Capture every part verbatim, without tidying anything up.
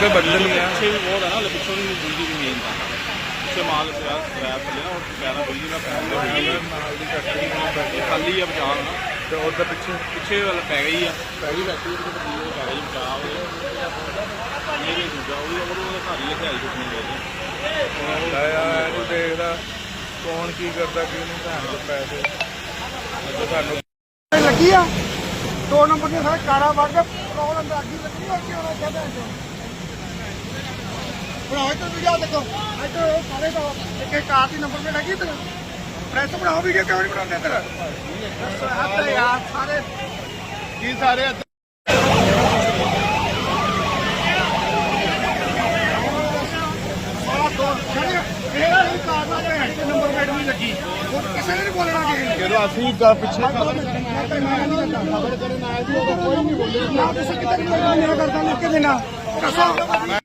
पे बदल गया पीछे भी बहुत है ना, पिछों भी बिजली भी मेन था पिछे माल स्क्रैप थले ना पैर बिजली का पैर खाली है बचाव ना तो उधर पिछे पिछे वाला पै गई है पै गई बैठी पै गई बचाव मेरे दूजा वो घर ही लिखाई कुछ नहीं गए यार देखदा कौन की करता की नहीं भैन को पैसे तो सानू लगी आ दो नंबर के सारे कारा वड़ के प्रॉब्लम अग्गी लगी और क्यों ना कहते हैं बनाओ तो वीडियो देखो तो सारे तो एक एक कार की नंबर पे लगी तो प्रेस बनाओ वीडियो क्यों नहीं बनाते तेरा हद है यार सारे की सारे नंबर प्लेट नहीं लगी किसी ने नहीं बोलना कि ਜਦੋਂ ਅਸੀਂ ਗਾ ਪਿੱਛੇ खबर करने आए थे कोई नहीं बोले ना किसी कितनी नहीं करता लिख के देना कसम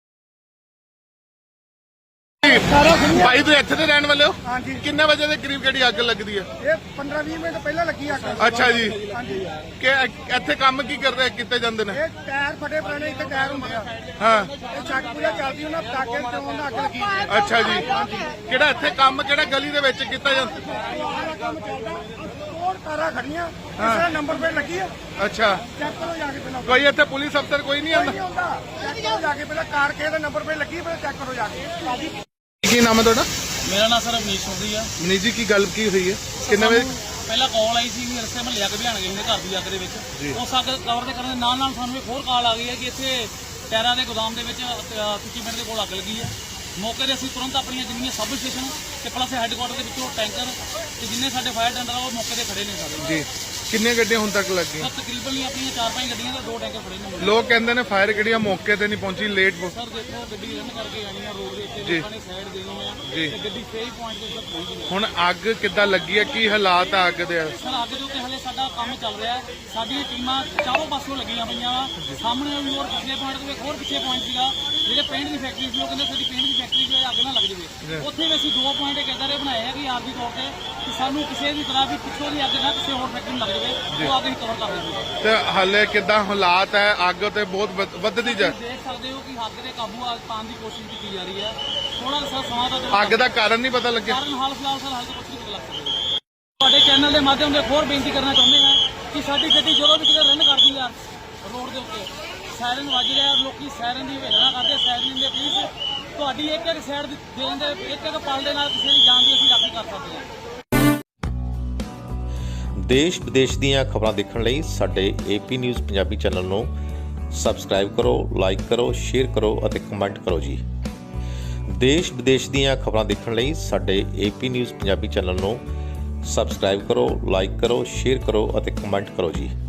ਭਾਈ ਤੁਸੀਂ ਇੱਥੇ ਦੇ ਰਹਿਣ ਵਾਲੇ ਹੋ ਹਾਂਜੀ ਕਿੰਨੇ ਵਜੇ ਦੇ ਕਰੀਬ ਕਿਹੜੀ ਅੱਗ ਲੱਗਦੀ ਹੈ ਇਹ ਪੰਦਰਾਂ ਵੀਹ ਮਿੰਟ ਪਹਿਲਾਂ ਲੱਗੀ ਅੱਗ ਅੱਛਾ ਜੀ ਹਾਂਜੀ ਕਿ ਇੱਥੇ ਕੰਮ ਕੀ ਕਰਦੇ ਕਿੱਥੇ ਜਾਂਦੇ ਨੇ ਇਹ ਟਾਇਰ ਫਟੇ ਪੁਰਾਣੇ ਇੱਥੇ ਟਾਇਰ ਹੁੰਦੇ ਆ ਹਾਂ ਇਹ ਚੱਕ ਪੂਰਾ ਚੱਲਦੀ ਉਹਨਾਂ ਪਟਾਕੇ ਚੋਂ ਦਾ ਅੱਗ ਲੱਗੀ ਅੱਛਾ ਜੀ ਕਿਹੜਾ ਇੱਥੇ ਕੰਮ ਕਿਹੜਾ ਗਲੀ ਦੇ ਵਿੱਚ ਕੀਤਾ ਜਾਂਦਾ ਸਾਰਾ ਕੰਮ ਚੱਲਦਾ ਹੋਰ ਕਾਰਾਂ ਖੜੀਆਂ ਕਿਸੇ ਦਾ ਨੰਬਰ ਪਲੇਟ ਲੱਗੀ ਆ ਅੱਛਾ ਚੈੱਕ ਕਰੋ ਜਾ ਕੇ ਪਹਿਲਾਂ ਕੋਈ ਇੱਥੇ ਪੁਲਿਸ ਅਫਸਰ ਕੋਈ ਨਹੀਂ ਕੋਈ ਆਉਂਦਾ ਨਹੀਂ ਆਉਂਦਾ ਚੈੱਕ ਕਰੋ ਜਾ ਕੇ ਪਹਿਲਾਂ ਕਾਰ ਕਿਸੇ ਦਾ ਨੰਬਰ ਪਲੇਟ ਲੱਗੀ ਪਹਿਲਾਂ ਚੈੱਕ ਕਰੋ ਜਾ ਕੇ ਕੀ ਨਾਮ ਹੈ ਤੁਹਾਡਾ मेरा नाम सर अवनीश चौधरी है ਮਨੀਸ਼ ਜੀ ਕੀ ਗੱਲ ਕੀ ਹੋਈ ਹੈ ਕਿੰਨੇ ਵਜੇ ਪਹਿਲਾਂ ਕਾਲ ਆਈ ਸੀ ਵੀ ਰਸਤੇ ਮਹੱਲੇ ਅੱਗ ਬਿਆਨ ਗਏ ਨੇ ਘਰ ਦੀ ਅੱਗ ਦੇ ਵਿੱਚ ਉਸ ਅੱਗ ਕਵਰ ਦੇ ਕਰਨ ਦੇ ਨਾਲ ਨਾਲ ਸਾਨੂੰ ਇੱਕ ਹੋਰ ਕਾਲ ਆ ਗਈ ਹੈ ਕਿ ਇੱਥੇ ਟਾਇਰਾਂ ਦੇ ਗੋਦਾਮ ਦੇ ਵਿੱਚ ਤੁੱਚੀ ਪਿੰਡ ਦੇ ਕੋਲ ਅੱਗ ਲੱਗੀ ਹੈ ਮੌਕੇ 'ਤੇ ਅਸੀਂ ਤੁਰੰਤ ਆਪਣੀਆਂ ਜਿੰਨੀਆਂ ਸਬ ਸਟੇਸ਼ਨ ਤੇ ਪਲੱਸ ਹੈੱਡਕੁਆਟਰ ਦੇ ਵਿੱਚੋਂ ਟੈਂਕਰ ਤੇ ਜਿੰਨੇ ਸਾਡੇ ਫਾਇਰ ਟੈਂਡਰ ਆ ਉਹ ਮੌਕੇ 'ਤੇ ਖੜੇ ਨੇ ਸਾਡੇ ਜੀ ਕਿੰਨੀਆਂ ਗੱਡੀਆਂ ਹੁਣ ਤੱਕ ਲੱਗੀਆਂ ਸਰ ਤਕਰੀਬਨ ਹੀ ਆਪਣੀਆਂ ਚਾਰ ਪੰਜ ਗੱਡੀਆਂ ਤੇ ਦੋ ਟੈਂਕਰ ਖੜੇ ਨੇ ਲੋਕ ਕਹਿੰਦੇ ਨੇ ਫਾਇਰ ਗੱਡੀਆਂ ਮੌਕੇ ਤੇ ਨਹੀਂ ਪਹੁੰਚੀ ਲੇਟ ਸਰ ਦੇਖੋ ਗੱਡੀ ਰਨ ਕਰਕੇ ਆਣੀ ਆ ਰੋਡ ਦੇ ਉੱਤੇ ਜੀ। ਲੋਕਾਂ ਨੇ ਸਾਈਡ ਦੇਣੀ ਆ ਜੀ। ਤੇ ਗੱਡੀ ਸਹੀ ਪੁਆਇੰਟ ਤੇ ਉੱਤੇ ਪਹੁੰਚ ਗਈ ਹੁਣ ਅੱਗ ਕਿੱਦਾਂ ਲੱਗੀ ਹੈ ਕੀ ਹਾਲਾਤ ਆ ਅੱਗ ਦੇ ਸਰ ਅੱਗ ਦੇ ਉੱਤੇ ਹਲੇ ਸਾਡਾ ਕੰਮ ਚੱਲ ਰਿਹਾ ਹੈ ਸਾਡੀਆਂ ਟੀਮਾਂ ਚਾਰੋਂ ਪਾਸੋਂ ਲੱਗੀਆਂ ਪਈਆਂ ਵਾ ਸਾਹਮਣੇ ਵੀ ਹੋਰ ਪਿਛਲੇ ਪੁਆਇੰਟ ਤੋਂ ਇੱਕ ਹੋਰ ਪਿੱਛੇ ਪੁਆਇੰਟ ਸੀਗਾ ਜਿਹੜੇ ਪੇਂਟ ਦੀ ਫੈਕਟਰੀ ਸੀ ਉਹ ਕਹਿੰਦੇ ਸਾਡੀ ਪੇਂਟ ਦੀ ਫੈਕਟਰੀ 'ਚ ਅੱਗ ਨਾ ਲੱਗ ਜਾਵੇ ਉੱਥੇ ਵੀ ਅਸੀਂ ਦੋ ਪੁਆਇੰਟ ਇੱਕ ਇੱਦਾਂ ਦੇ ਬਣਾਏ ਆ ਕਿ ਆਰਜੀ ਤੌਰ ਤੇ ਕਿ ਸਾਨੂੰ ਕਿਸੇ ਵੀ ਤਰ੍ਹਾਂ ਵੀ ਪਿੱਛੋਂ ਦੀ ਅੱਗ ਨਾ ਕਿਸੇ ਹੋਰ ਫੈਕਟਰੀ ਨੂੰ ਲੱਗ ਜਾਵੇ ਉਹ ਅੱਗ ਅਸੀਂ ਕਵਰ ਕਰ ਦੇਈਏ ਤੇ ਹਾਲੇ ਕਿੱਦਾਂ ਹਾਲਾਤ ਹੈ ਅੱਗ ਤੇ ਬਹੁਤ ਵੱਧ- ਵੱਧਦੀ ਜਾ ਤੁਸੀਂ ਦੇਖ ਸਕਦੇ ਹੋ ਕਿ ਅੱਗ ਦੇ ਕਾਬੂ ਆ ਪਾਉਣ ਦੀ ਕੋਸ਼ਿਸ਼ ਕੀਤੀ ਜਾ ਰਹੀ ਹੈ ਥੋੜਾ ਜਿਹਾ ਸਮਾਂ ਦਾ ਦਿਓ। ਅੱਗ ਦਾ ਕਾਰਨ ਨਹੀਂ ਪਤਾ ਲੱਗਿਆ ਕਾਰਨ ਹਾਲ ਫਿਲਹਾਲ ਸਰ ਹਾਲ ਤੋਂ ਕੁਝ ਨਹੀਂ ਪਤਾ ਲੱਗ ਸਕਦਾ ਤੁਹਾਡੇ ਚੈਨਲ ਦੇ ਮਾਧਿਅਮ ਦੇ ਹੋਰ ਬੇਨਤੀ ਕਰਨਾ ਚਾਹੁੰਦੇ ਹਾਂ ਕਿ ਸਾਡੀ ਗੱਡੀ ਜਦੋਂ ਵੀ ਕਿਤੇ ਰਨ ਕਰਦੀ ਆ ਰੋਡ ਦੇ ਉੱਤੇ ਸਾਇਰਨ ਵੱਜ ਰਿਹਾ ਲੋਕੀ ਸਾਇਰਨ ਦੀ ਵੇਲਣਾ ਕਰਦੇ ਸਾਇਰਨ ਦੇ ਪਲੀਜ਼ ਤੁਹਾਡੀ ਇੱਕ ਇੱਕ ਸਾਈਡ ਦੇਣ ਦੇ ਇੱਕ ਇੱਕ ਪਲ ਦੇ ਨਾਲ ਕਿਸੇ ਦੀ ਜਾਨ ਦੀ ਅਸੀਂ ਰਾਖੀ ਕਰ ਸਕਦੇ ਹਾਂ। ਦੇਸ਼ ਵਿਦੇਸ਼ ਦੀਆਂ ਖਬਰਾਂ ਦੇਖਣ ਲਈ ਸਾਡੇ ਏਪੀ ਨਿਊਜ਼ ਪੰਜਾਬੀ ਚੈਨਲ ਨੂੰ ਸਬਸਕ੍ਰਾਈਬ ਕਰੋ, ਲਾਈਕ ਕਰੋ, ਸ਼ੇਅਰ ਕਰੋ ਅਤੇ ਕਮੈਂਟ ਕਰੋ ਜੀ। ਦੇਸ਼ ਵਿਦੇਸ਼ ਦੀਆਂ ਖਬਰਾਂ ਦੇਖਣ ਲਈ ਸਾਡੇ ਏਪੀ ਨਿਊਜ਼ ਪੰਜਾਬੀ ਚੈਨਲ ਨੂੰ ਸਬਸਕ੍ਰਾਈਬ ਕਰੋ, ਲਾਈਕ ਕਰੋ, ਸ਼ੇਅਰ ਕਰੋ ਅਤੇ ਕਮੈਂਟ ਕਰੋ ਜੀ।